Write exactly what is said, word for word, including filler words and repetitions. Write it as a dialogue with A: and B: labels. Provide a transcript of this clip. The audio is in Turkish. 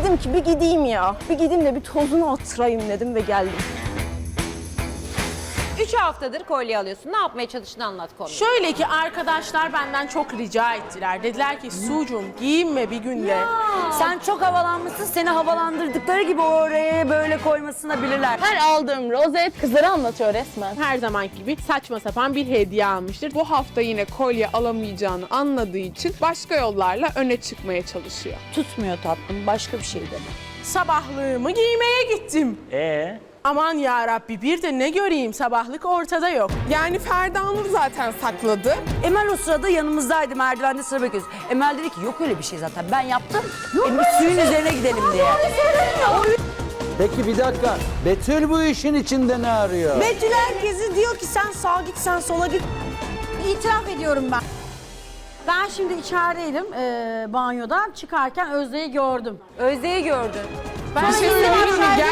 A: Dedim ki bir gideyim ya. Bir gideyim de bir tozunu attırayım dedim ve geldim.
B: Üç haftadır kolye alıyorsun. Ne yapmaya çalıştığını anlat konuyu.
C: Şöyle ki arkadaşlar benden çok rica ettiler. Dediler ki Sucuğum giyinme bir günde.
D: Sen çok havalanmışsın, seni havalandırdıkları gibi oraya böyle koymasını bilirler.
A: Her aldığım rozet kızları anlatıyor resmen.
C: Her zamanki gibi saçma sapan bir hediye almıştır.
E: Bu hafta yine kolye alamayacağını anladığı için başka yollarla öne çıkmaya çalışıyor.
D: Tutmuyor tatlım, başka bir şey deme.
C: Sabahlığımı giymeye gittim.
F: Ee?
C: Aman ya Rabbi bir de ne göreyim, sabahlık ortada yok.
E: Yani Ferda Nur zaten sakladı.
D: Emel o sırada yanımızdaydı, merdivende sıra bekliyoruz. Emel dedi ki yok öyle bir şey zaten, ben yaptım. E, bir suyun üzerine gidelim diye.
F: Peki bir dakika. Betül bu işin içinde ne arıyor?
A: Betül herkesi diyor ki sen sağa git, sen sola git.
G: İtiraf ediyorum ben. Ben şimdi içerideydim e, banyodan çıkarken Özde'yi gördüm.
B: Özde'yi gördün.
C: Ben
E: Bir şey
C: şimdi
E: söyleyeyim mi?
C: aşağıya